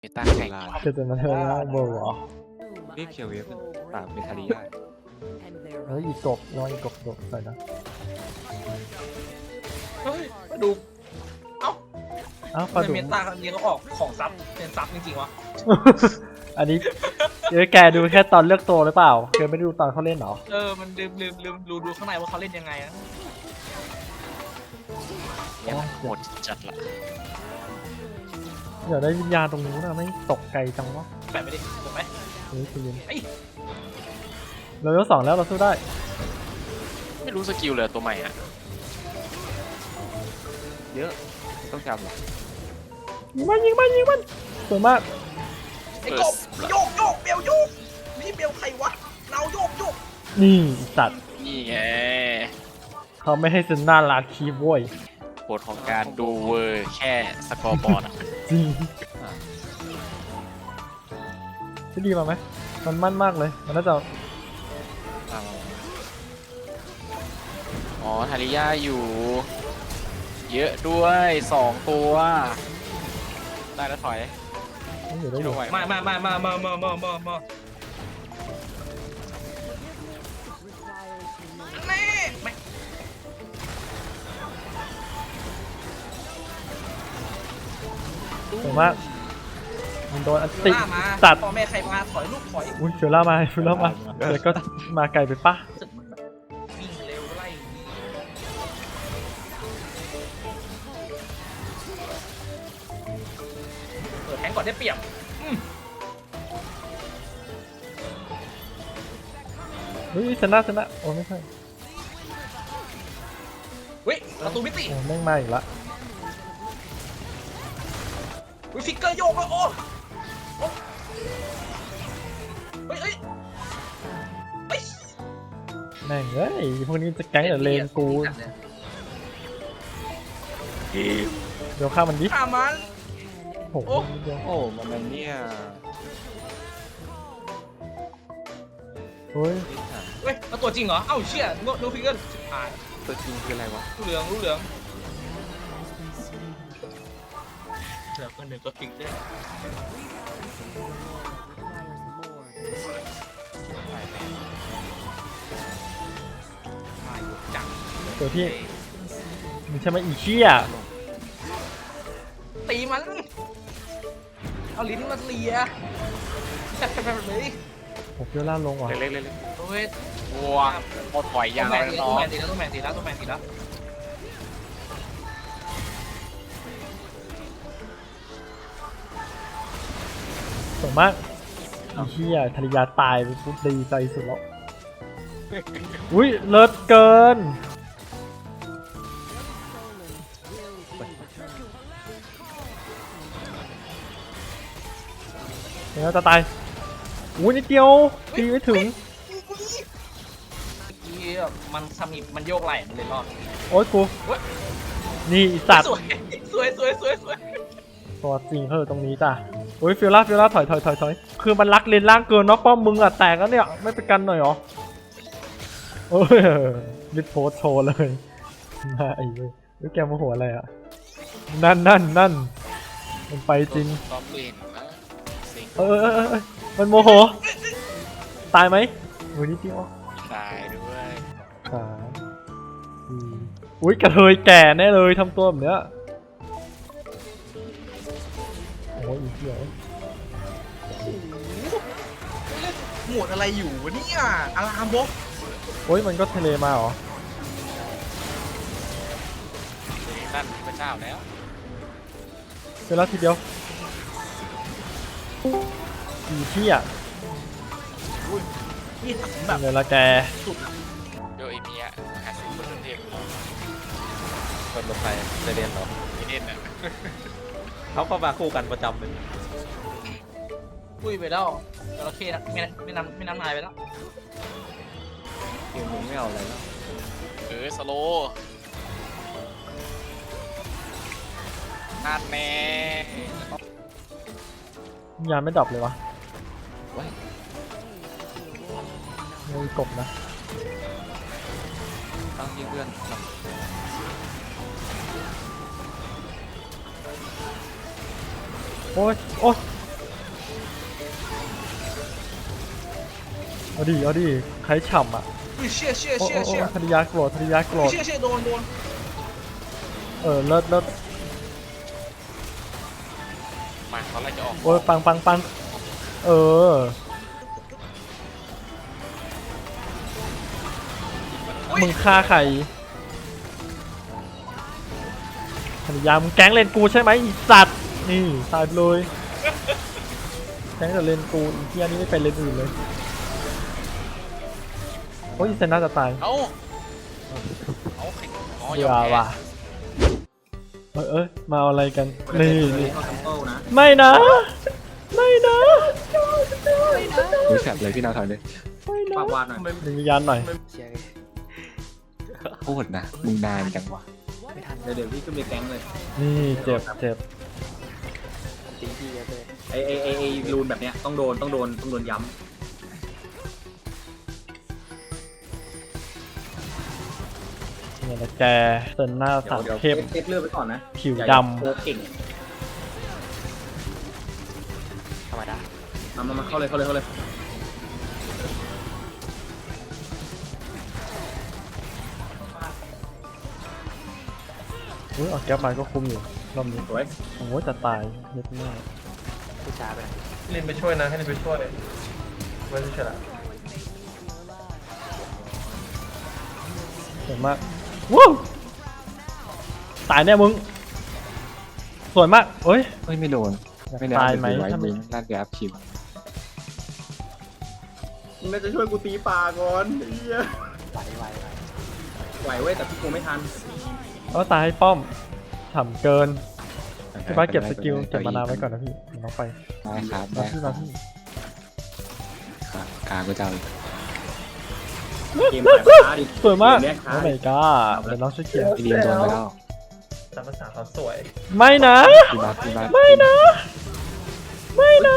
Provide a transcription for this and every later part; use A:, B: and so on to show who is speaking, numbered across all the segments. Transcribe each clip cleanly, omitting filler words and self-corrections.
A: เมตาแข่ง
B: เกิดมาเธอแล้วโบว์เหรอ
A: รีบเคียวเวฟปราบเมทาริยา
B: แล้วอีกกบน้อยอีกกบใส่นะ
C: เฮ้ยมาดู
B: อ้าว
C: ทำ
B: ปลา
C: ไม
B: ดุก
C: เมตาครั้งนี้เขาออกของซับเป็นซับจริงๆวะ
B: อันนี้แกดูแค่ตอนเลือกตัวหรือเปล่าแกไม่ได้ดูตอนเขาเล่นเหรอ
C: มันลืมดูข้างในว่าเขาเล่นยังไงนะ
A: เนี่ยหมดจัดละ
B: อยากได้วิญญาณตรงนู้นนะไม่ตกไกลจังวะ
C: แปะไปดิถูกไหม
B: เฮ้ยคุณยิน
C: ไอ้
B: เรายก2แล้วเราสู้ได้
A: ไม่รู้สกิลเลยตัวใหม่อ่ะเยอะต้องจำหรอ
B: ยิงมันสวยมาก
C: ไอ้กบโยกเบลโยกนี่เบลใครวะเราโยก
B: นี่อีสัตว์
A: นี่ไง
B: เขาไม่ให้เซนน่าลาคีบโว้ย
A: ผลของการดูเวอร์แค่สกอร์บอร์ดอ่ะ
B: จริงที่ดีมาไหมมันมั่นมากเลยมันน่าจะ
A: อ๋อทาริยาอยู่ เยอะด้วย2ตัวได้แล้วถอย
B: อยู่ได้อยู่
A: ไหว
C: มาแม่ไม่
B: สวยมากมันโดนอันติ
C: ล่ามา
B: ตัด
C: พ่อแม่ใครมาถอยลูกถอย
B: อุ้ยเฟลล่ามาเดี๋ยวก็มาไกลไปปะ
C: รู้สึกมันแบบวิ่งเร็วไล่เปิดแทงก่อนได้เปรียบ
B: เฮ้ยชนะโอ้ไม่ใช่
C: เฮ้ยประตูมิติ
B: โอ้แม่งมาอีกละ
C: ฟิกเกอร์โยกแล้วโอ้เฮ้ย
B: แม่งเอ้ยพวกนี้จะแก๊งแต่เลนกูเดี๋ยวฆ่ามันดิ
C: ฆ่ามัน
B: โอ้โห
A: โอ้มันเนี่ย
B: เฮ้ย
C: เฮ้ยแล้วตัวจริงเหรอ เอ้าเชี่ยโนฟิกเกอร์อ่าน
A: ตัวจริงคืออะไรวะ
C: รู้เหลืองเหลือคนหนึ่งก็ฟิกได้มาอยู่จัง
B: ตัวที่มันใช่ไหมอีเชี่ย
C: ตีมัน เอาลิ้นมาเลียแบบเลย
B: ผมเฟลล่าลงว่ะ
A: เล็กๆ
C: โอ้ย
A: ๆวัวหมดถอยยาว
C: แม
A: แล้ว
C: น
A: น้อง
C: ตีแล้วตัวแมนตีแล้ว
B: สวยมากอีเชี่ยธริยาตายไปปุ๊บดีใจสุดแล้วอุ้ยเลิศเกินเดี๋ยวจะตายอุ้ยนิดเดียวตีไม่ถึง
C: เมื่อกี้มันสมิบมันโยกไหล่มันเลยรอด
B: โอ๊ยกูนี่อีสัตว์
C: สวย
B: ตัวจริงตรงนี้จ้ะโอ้ยฟิลล่าถอยคือมันรักเลนล่างเกินเนาะป้อมมึงอ่ะแตกแล้วเนี่ยไม่ไปกันหน่อยหรอโอ้ยมิดโพสโชว์เลยมาไอ้เว้ยแกมาหัวอะไรอ่ะนั่นมันไปจริง
A: ซ้อมเลนนะสิง
B: มันโมโหตายไหมวันนี้จริงอ๋อ
A: ตายด้วย
B: อุ้ยกระเทยแก่แน่เลยทำตัวแบบเนี้ยโอ้ยอีเหี้ย
C: หมวดอะไรอยู่วะเนี่ยอารามบก
B: โอ้ยมันก็ทะเลมาเหรอ
A: นั่นพระเจ้าแล้ว
B: เสร็จแล้วทีเดียวอีเหี้ย
C: นี่ถังแบ
B: เป็
C: บ
B: นไงล่ะแก
C: สุดอะ
A: โดยไอ้เมีย50%เทพ
D: คนรถไฟเซเดนเหรอ
A: ไม่เด่นอ่ะ
D: เขาก็มาคู่กันประจำเลย
C: ปุ้ยไปแล้วจระเข้นะไม่นำนายไปแล้ว
D: ทีมมึงไม่เอาอะไรแล้ว
A: สโลนั่นแน่
B: ยานไม่ดรอปเลยวะ
D: ว้าย
B: ไม่กบนะ
D: ต้องยิงเพื่อน
B: โอ้ยเอาดิเอาดิใครฉ่ำอ่ะ
C: อุ้ยเชี่ยเชี่ย
B: โอ้
C: เชี่ย
B: โอ้
C: เชี่ย
B: ธนิยาโกรธธนิยาโกรธ
C: เชี่ยเชี่ยโดน
B: เลิศเลิศ
A: มาตอนแรกจะออก
B: โอ้ยปัง
C: อุ้ย
B: มึงฆ่าใครธนิยามึงแก๊งเลนกูใช่ไหมอีสัตว์นี่ตายไปเลยแก๊งแต่เลนกูอีเทียนี่ไม่เป็นเลนอื่นเลยโอ้ยอีเซนน่าจะตาย
A: เอาอ๋อ
B: เบื่
A: ยอ
B: อ
A: มแพ้
B: ว่ะเอ้ยมาเอาอะไรกันนี่นี่
C: เข้าทัมเปิลนะ
B: ไม่นะ ไม่นะ
D: ดูแฉบเลยพี่นาถอยเลย
B: ไม่นะ
C: ปากวาดหน่อย
B: ดึงวิญญาณหน่อย
D: โคตรนะมึงนานจังวะ
C: เดี๋ยวพี่ขึ้นไปแก๊งเลย
B: นี่เจ็บเจ็บ
C: ไอรูนแบบเนี้ยต้องโดนย้
B: เนี่ยนะแกเซนหน้า
C: ำ
B: สาม
C: เดี๋ยว
B: เข้ม
C: เช็คเลือดไปก่อนนะ
B: ผิว
C: อย่า
B: ด
C: โคเก่ง
A: ธรรมดา
C: มาเข้าเลย
B: อุ้ยออกแก๊ปมาก็คุมอยู่รอบนี้
C: สวย
B: โอ้โหจะตายเย็ดมาก
E: ลินไปช่วยนะให้ลินไปช่วยไม่ใช่ฉลาด
B: สวยมากวู้ตายแน่มึงสวยมากเอ้ย
D: เฮ้ยไม่โดน
B: อยาก
D: ไม่ได้
B: ตายไหม
D: ไว้
B: ถ้าไม่
D: มึงลั่นไปอัพคิว
C: มึงน่าจะช่วยกูตีป่าก่อนไอ้เหี้ยไหวเว้ยแต่พี่กูไม่ทัน
B: ก็ตายให้ป้อมฉ่ำเกินพี่บ้าสเก็บสกิลเก็บมานาไว้ก่อนนะพี่เดี๋ยวน้องไป
D: ได้ครับ
B: มา
D: ได้
B: พี่มาพี่
D: ครับกาก็จะเอาอีก
C: เกมแบบช้าดิ
B: สวยมาก
C: เกเนี้ยช้า
B: โอ้
C: ดิ
B: my god เดี๋ยวน้องช่วยเคลียร์
D: พี่ดีมโดนไปแล้ว
E: ตามภาษาเขาสวย
B: ไม่นะ
D: พี่บัส
B: ไม่นะ ไม่นะ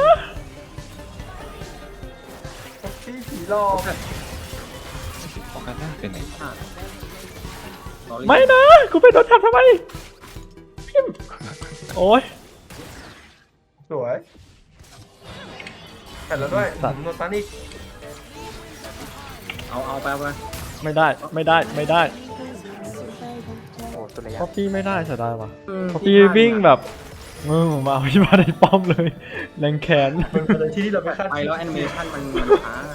E: พี่ผีหลอก
D: ออกกันหน้าเป็นไหน
B: ไม่นะ กูไปโดนทับทำไมพิมพ์โอ้ย
E: สวยแผ่นแล้วด้วย
B: สัตว์
E: โนตันอีก
C: เอาไป
B: ไม่ได้ ไม่ได้ ไม่ได้เพราะพี่ไม่ได้เสียดายว่ะเพราะพี่วิ่งแบบมาเอาพี่มาในป้อมเลย แรงแขน
E: มันเป็นที่ที่เราไม่คาด
C: ไป
E: คิด
C: แล้วแอนิเมชั่นมันช้า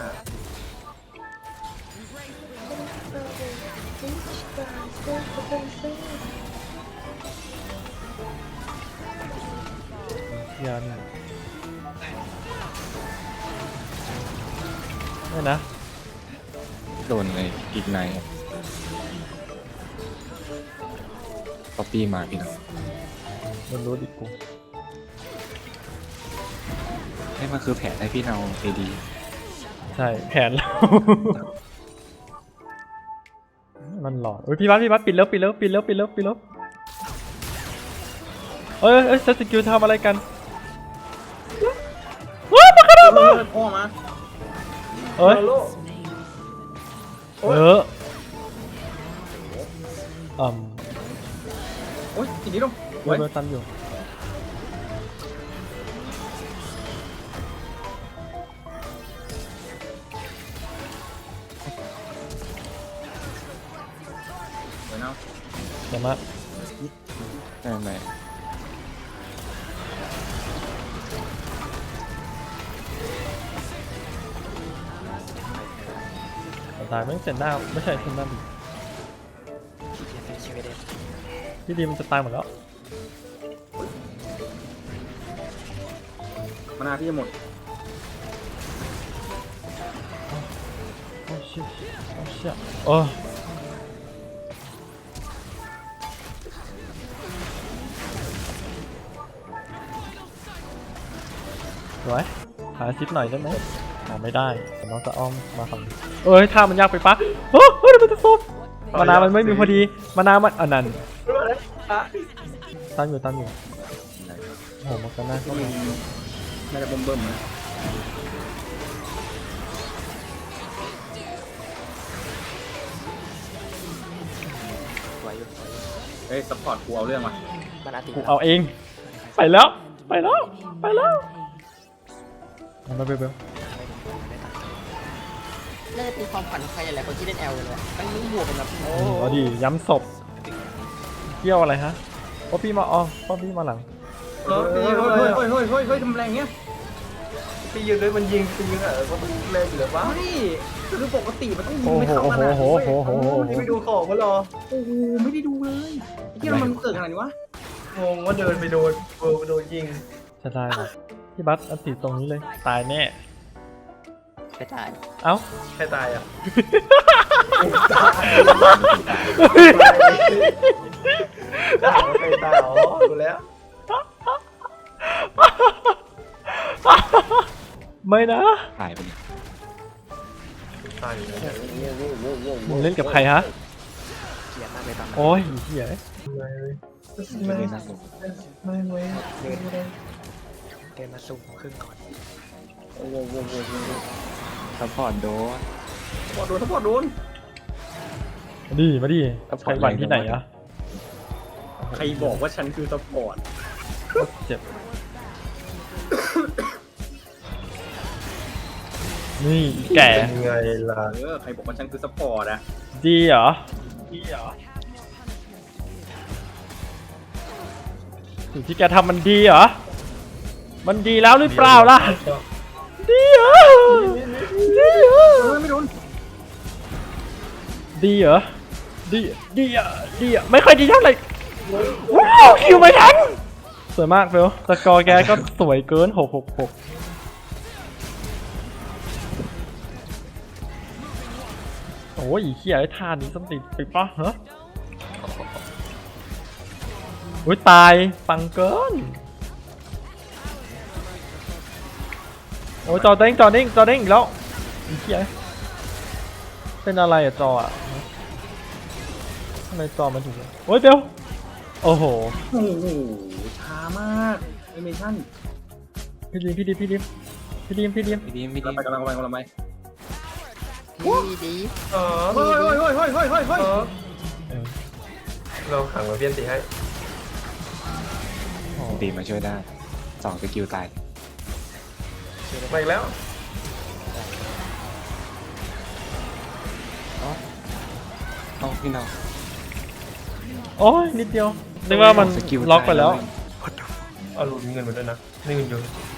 B: ยันไม่นะ
D: โดนเลยอีกในป๊อปปี้มาพี่น้อง
B: มันรู้ดิกู
D: ให้มันคือแผนให้พี่เอาเอดี
B: ใช่แผนเรา มันหลอดโอ้ยพี่บัสปิดแล้วเอ้ยเซตสกิลทำอะไรกันว้าวมาขนาดมา
C: พ่อมา
B: เอ้ย
E: โล
B: เอออืม
C: โอ้ยทีนี้ลง
B: เบอร์ตันอยู่เดี๋ยวมา
D: ไม่ไม่
B: ตายไม่เสร็จหน้าไม่ใช่เสร็จหน้าดิพี่ดีมันจะตายหมดแล้ว
C: มานาพี่จะหมด
B: โอ้ชิโอ้ชิโอ้สวยหาซิปหน่อยได้ไหมหาไม่ได้น้องจะอ้อมมาฝั่งนี้เอ้ยท่ามันยากไปปะเฮ้ยเดี๋ยวมันจะซุบมานามันไม่มีพอดีมานามันอันนั้นตั้งอยู่โอ้โหมันก็น่า
C: ก็มีน่าจะเบิ่มๆนะ เฮ้ยซัพพอร์ตกูเอาเรื่องมา
B: กูเอาเองไปแล้วมันไปเบล
F: น่าจะเป็นความฝันของใครหลายๆคนที่เล่นแอลเลยมันมุ่งบวกกันแบบโอ้
B: เอาดิย้ำศพเกี่ยวอะไรฮะป๊อปปี้มาป๊อปปี้มาหลัง
C: เฮ้ยทำแรงเงี้ย
E: พี่ยืนด้วยมันยิงจริงอ่ะก็มันแรงอยู่แล้ววะ
C: ไม่คือปกติมันต้องยิง
B: โอ้
C: ไม่
B: โห
C: เข้า
B: โอ้
C: ข
B: โห
C: นาด
B: โอ้
C: นี้
B: โห
C: เว้ย
B: โอ้โหโอ้โห
E: นี่ไปดูของมาหรอ
C: โอ้โหไม่ได้ดูเลยที่มันเกิดขนาดนี้วะ
E: งงว่าเดินไปโดนโดนยิง
B: จะได้เหรอพี่บัสอันติดตรงนี้เลยตายแน่
F: กระจาย
B: เอ้า
E: ใครตายอ่ะใครตายอ๋อดูแล้ว
B: ไม่นะ
D: หายไปเลย
E: ตายอยู่แล้ว
B: มึงเล่นกับใครฮะ
F: เขียนมากเลยตอนนั้น
B: โอ้ยเหี้ย
D: ไม่ได้นั่งลง
F: เดินมาสุ่มครึ่งก่อน
D: ซัพพอร์ตโดน
C: ทั้งหมดโดน
B: มาดิมาดิใครหวั่นที่ไหนอะ
C: ใครบอกว่าฉันคือซัพพอร์ต
B: เจ็บนี่แก่
E: ยังไงล่ะ
C: ใครบอกว่าฉันคือซัพพอร์ตอะ
B: ดีเหรอสิ่งที่แกทำมันดีเหรอมันดีแล้วหรือเปล่าล่ะดีเหรอดีเหรอ
C: ไม่โดน
B: ดีเหรอดีอ่ะไม่ค่อยดีเท่าไหร่ว้าวคิวไม่ทันสวยมากเฟลสกอร์แกก็สวยเกิน666โอ้ยเขี้ยไอ้ท่านี้ส้นตีนไปปะฮะโอ้ยตายปังเกินโอ้ยจอเด้งอีกแล้วไอ้เขี้ยเป็นอะไรอะจออะทำไมจอมันถึงโอ้ยเบลโอ้โห
C: โอ้โหช้ามากแอนิเมชั่น
B: พี่ดิม
D: พี่ดีม
C: กำลังไป
F: ดี
E: อ๋อ
C: เฮ้ย
E: เราขังมาเพี้ยนตีให้
D: ดีมาช่วยได้2 สกิลตาย
E: มาอีกแล้ว
D: เอ้าพี่น้อง
B: โอ้ยนิดเดียวนึกว่ามัน
D: สกิล
B: ล็อกไปแล้ว
E: เอาหลุดเงินมาด้วยนะนี่เงินอยู่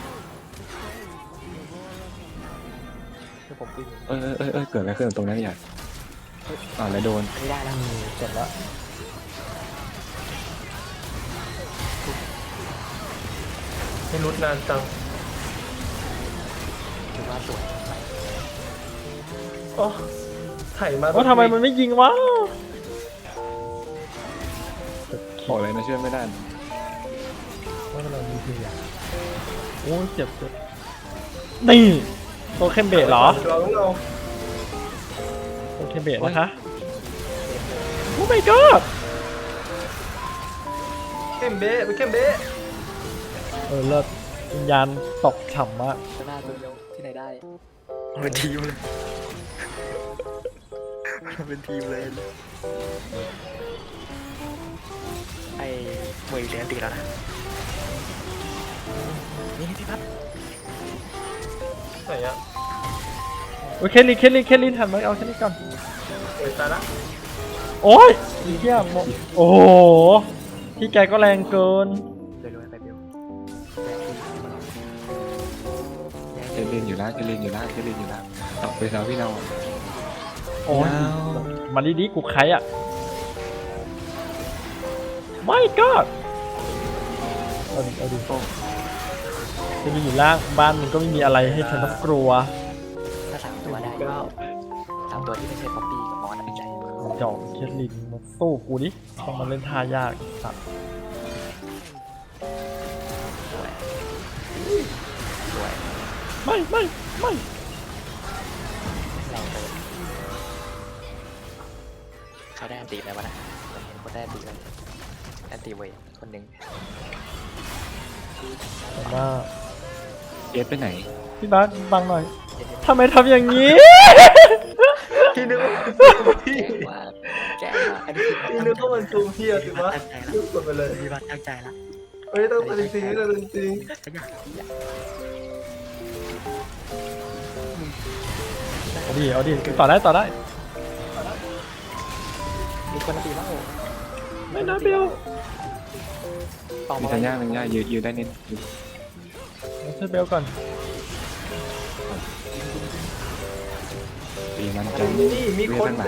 F: คือผมวิ่ง
D: เกิดอะไรขึ้นตรงนั้นอย่างแล้วโดน
F: ไม่ได้แล้ว
B: เสร็จแล้ว
E: ไม่รุดนานจัง
F: ถือว่าสวยไป
E: อ๋อไถ่มา
B: ว่าทำไมมันไม่ยิงวะ
D: บอกเลยนะช่วยไม่ได้
B: ว่าเราดีจริงอ่ะโอ้ยเจ็บนี่โตเข้มเบสเหรอ
E: เราต้องเอา
B: โตเข้มเบสนะคะโอ้ my god
E: เข้มเบ้ไปเข้มเบ้
B: เลิศวิญญาณตกฉ่ำมาก
F: หน้าตัวเดียวที่ไหนได้เป็นทีมเลยเป็นทีมเลยไอ้มวยเลี้ยงตีแล้วนะนี่พี่พัด
E: ไหนอ่ะ
B: โอ้ยเคลลินหันมาเอาแค่นี้ก่อน
E: เปิดตาละ
B: โอ้ยอีเหี้ยโมโอ้โหพี่แกก็แรงเกิน
F: เรื่อยๆไปเบล
D: เจลินอยู่แล้วเอาไปแล้วพี่น้อง
B: โอ้ยมาดีๆกูใครอ่ะไม่ก็เอาดิจะมีอยู่ล่างบ้านมันก็ไม่มีอะไรให้ฉันต้องกลัว
F: ถ้า3 ตัวได้3 ตัวที่ไม่ใช่ป๊อปปี้กับมอสใจ
B: จอกเคทลินมาสู้กูดิต้องมาเล่นท่ายากสัตว์
F: สวยสวย
B: ไม่
F: แรงเกินเขาได้อันตีแล้ววะนะผมเห็นคนได้อันตีแล้วอันตีเว้ยคนหนึ่ง
B: แต่ว่า
D: เอฟไปไหน
B: พี่บาสบังหน่อยทำไมทำอย่างนี้
E: พี่นึกว่า
F: แกว่าอันนี้
E: พี่นึกว่ามันซูมพี่อะสิวะยุบกดไปเลย
F: มีบ้านตั้งใจละ
E: เฮ้ยต้องจริงต้องจริง
F: ขยัน
B: โอ้เอาดิต่อได้
F: มีคนตีแล้ว
B: ไม่นะเบล
F: ต่อ
D: มี
F: มา
D: สัญญาณสัญญาณยืนได้นิด
B: เอาช่วยเบลก่อน
D: ตีมัน
E: อะ
D: จะ
E: ไรนี่มี
D: เว
E: คน
D: ทั้งหลาย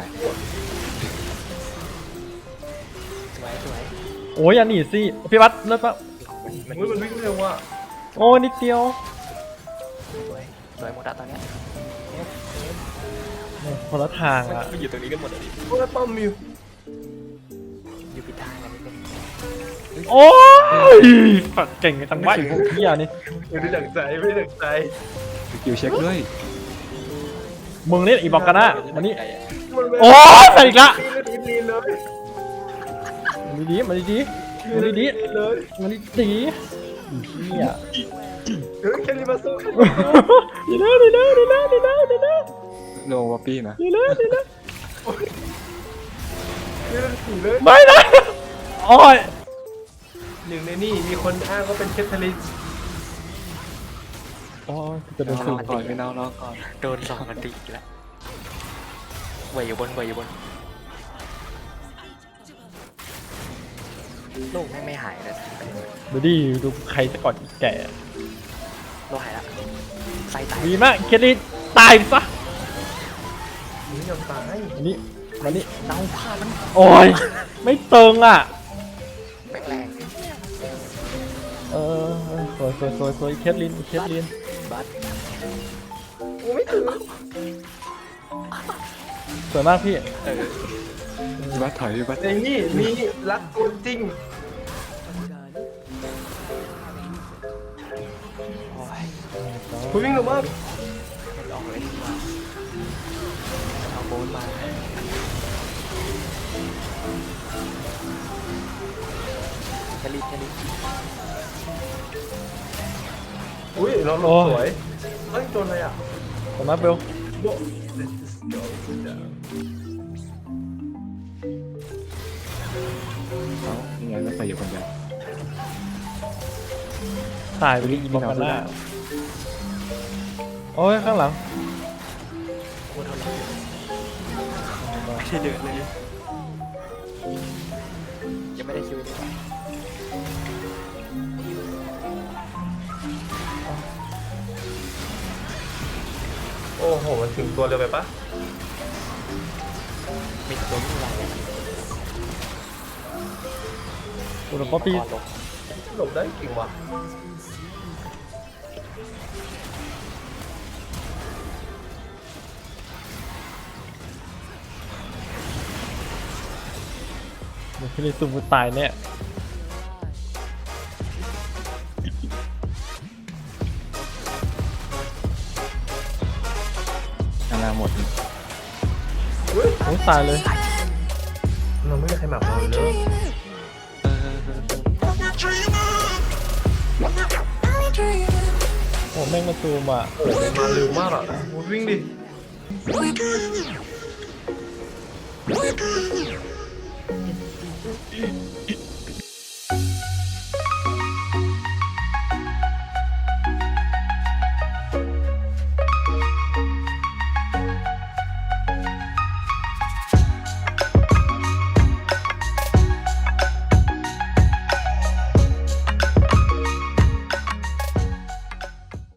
F: สวย
B: โอ้ยอย่าหนีสิพี่บัสเลิศปะ
E: มันวิ่งเร็วว่ะ
B: โอ้นิดเดียว
F: สวยหมดอะตอนเนี้ย
B: คนละทางอะ
F: มันอยู่ตรงนี้กันหมดเลยดิ
E: โอ้ยป้อมมิว
F: อยู่ผิดทางกันนิดนึง
B: โอ้ยฝักเก่งจังวะไอ้พวกเหี้ยนี่
E: ไม่ได้ดังใจไม่ได้ดังใจ
D: คิวเช็คด้วย
B: มึงเล่นอีบอกกันนะวันนี้
E: มันไม่
B: โอ้ยใส่อีกละ
E: ดีเลย
B: มาดีๆมาดีๆมาดี
E: เลย
B: ๆมาดีๆเหี้ย
E: เฮ้ยแค่นี้มาสู้
B: ดีแล้วดีแล้วดีแล้วดีแล้วดีแล้ว
D: โนวาปี้นะ
B: ดีแล้วดีแล้ว
E: นี่มันถึงเลย
B: ไม่นะโอ้ย
E: หนึ่งในนี่มีคนอ้างว่าเป็นแคทเธอรีน
B: โอ้ยจะโดน
D: ร
B: สู
D: อบ ก่อนไม่นอนรอก่อน
F: โดน2กันตีอีกแล้วเวยอยู่บนลูกแม่งไม่หายเลย
B: ดูดิดูใครจะกอดอีกแก่
F: ลูกหายละไส้ตาย
B: ดีมากเคลลี่ตายซะ
E: นี่ยอมตาย
B: อันนี้มานี่
F: เน่าพลาดมัน
B: โอ้ยไม่เติงอ่ะ
F: แม่งแรง
B: สวยเคลลิน
F: บัส
E: โอ้ไม่ถึง
B: สวยมากพี่
D: พี่บัสถอยพี่บัส
E: ในนี่มีรักคนจริง
F: โอ้ย
E: คุณวิ่งเร็วมาก
F: มันออกเลยดีกว่าเอาโบนมาแคลรี่
E: อุ้ยเราลงสวยเฮ้ยโดนอะไรอ่ะ
B: สวยมากเบล
E: โบ
D: เอ้ายังไงไม่ใส่อยู่คนเดียว
B: ตายไปดิอีบอกกันหน้าโอ้ยข้างหลัง
F: โคตรเท่าไหร่ไม่ได้เดือดเลยยังไม่ได้คิวเลยว่ะ
E: โอ้โหมันถึงตัวเร็วไปปะ
F: มีตัววิ่งไวเลย
B: อุดมป๊อปปี้
F: ก่อนลง
E: หลบได้เก่งว่ะ
B: เคลลี่ซูมตายเนี่ย
D: ข้างหน้าหมด
E: อุ้ย
B: โอ้ยตายเลย
E: เราไม่มีใครหมักเราเลย
B: โอ้แม่งมาซูมอ่ะ
E: โอ้ยมาเร็วมากอ่ะวิ่งดิ